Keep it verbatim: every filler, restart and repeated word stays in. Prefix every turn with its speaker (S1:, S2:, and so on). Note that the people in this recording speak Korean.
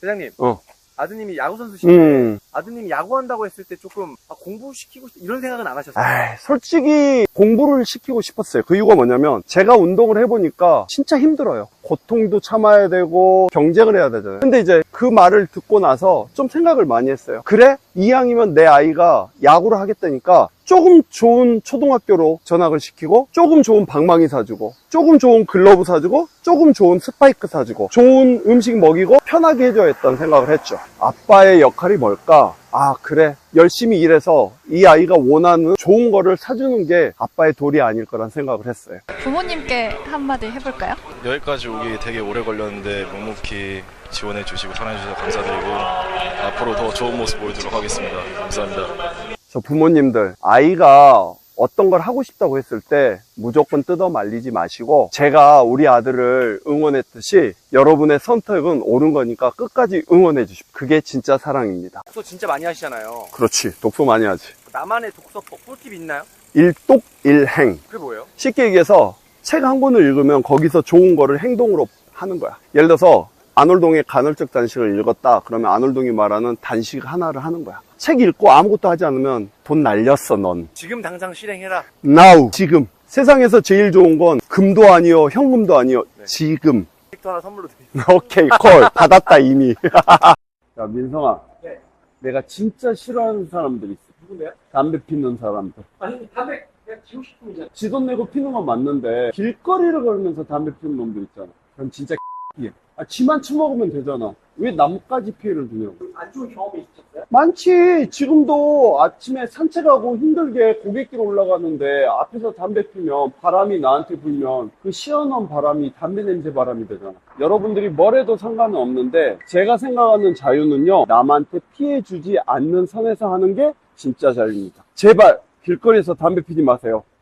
S1: 대장님.
S2: 어.
S1: 아드님이 야구 선수신데
S2: 음.
S1: 아드님이 야구한다고 했을 때 조금 아, 공부시키고 싶 이런 생각은 안 하셨어요?
S2: 에이, 솔직히 공부를 시키고 싶었어요. 그 이유가 뭐냐면 제가 운동을 해보니까 진짜 힘들어요. 고통도 참아야 되고 경쟁을 해야 되잖아요. 근데 이제 그 말을 듣고 나서 좀 생각을 많이 했어요. 그래? 이왕이면 내 아이가 야구를 하겠다니까 조금 좋은 초등학교로 전학을 시키고 조금 좋은 방망이 사주고 조금 좋은 글러브 사주고 조금 좋은 스파이크 사주고 좋은 음식 먹이고 편하게 해줘야 했던 생각을 했죠. 아빠의 역할이 뭘까? 아 그래, 열심히 일해서 이 아이가 원하는 좋은 거를 사주는 게 아빠의 도리 아닐 거란 생각을 했어요.
S3: 부모님께 한마디 해볼까요?
S4: 여기까지 오기 되게 오래 걸렸는데 묵묵히 지원해 주시고 사랑해 주셔서 감사드리고 앞으로 더 좋은 모습 보여드리도록 하겠습니다. 감사합니다.
S2: 저 부모님들, 아이가 어떤 걸 하고 싶다고 했을 때 무조건 뜯어 말리지 마시고 제가 우리 아들을 응원했듯이 여러분의 선택은 옳은 거니까 끝까지 응원해 주십시오. 그게 진짜 사랑입니다.
S1: 독서 진짜 많이 하시잖아요.
S2: 그렇지, 독서 많이 하지.
S1: 나만의 독서 꿀팁 있나요?
S2: 일독일행.
S1: 그게 뭐예요?
S2: 쉽게 얘기해서 책 한 권을 읽으면 거기서 좋은 거를 행동으로 하는 거야. 예를 들어서 아놀동의 간헐적 단식을 읽었다 그러면 아놀동이 말하는 단식 하나를 하는 거야. 책 읽고 아무것도 하지 않으면 돈 날렸어 넌.
S1: 지금 당장 실행해라.
S2: Now, 지금. 세상에서 제일 좋은 건 금도 아니요 현금도 아니요
S1: 네.
S2: 지금.
S1: 책도 하나 선물로 드립니다.
S2: 오케이 콜 받았다 이미. 야 민성아,
S1: 네.
S2: 내가 진짜 싫어하는 사람들 있어.
S1: 누군데요?
S2: 담배 피는 사람들.
S1: 아니 담배 그냥 피우고 싶으면
S2: 지 돈 내고 피는 건 맞는데 길거리를 걸으면서 담배 피는 놈들 있잖아. 그럼 진짜 피해. 아, 지만 처먹으면 되잖아. 왜 남까지 피해를 주냐고.
S1: 안 좋은 경험이 있으셨어요?
S2: 많지. 지금도 아침에 산책하고 힘들게 고갯길 올라가는데 앞에서 담배 피면 바람이 나한테 불면 그 시원한 바람이 담배 냄새 바람이 되잖아. 여러분들이 뭘 해도 상관은 없는데 제가 생각하는 자유는요, 남한테 피해 주지 않는 선에서 하는 게 진짜 자유입니다. 제발 길거리에서 담배 피지 마세요.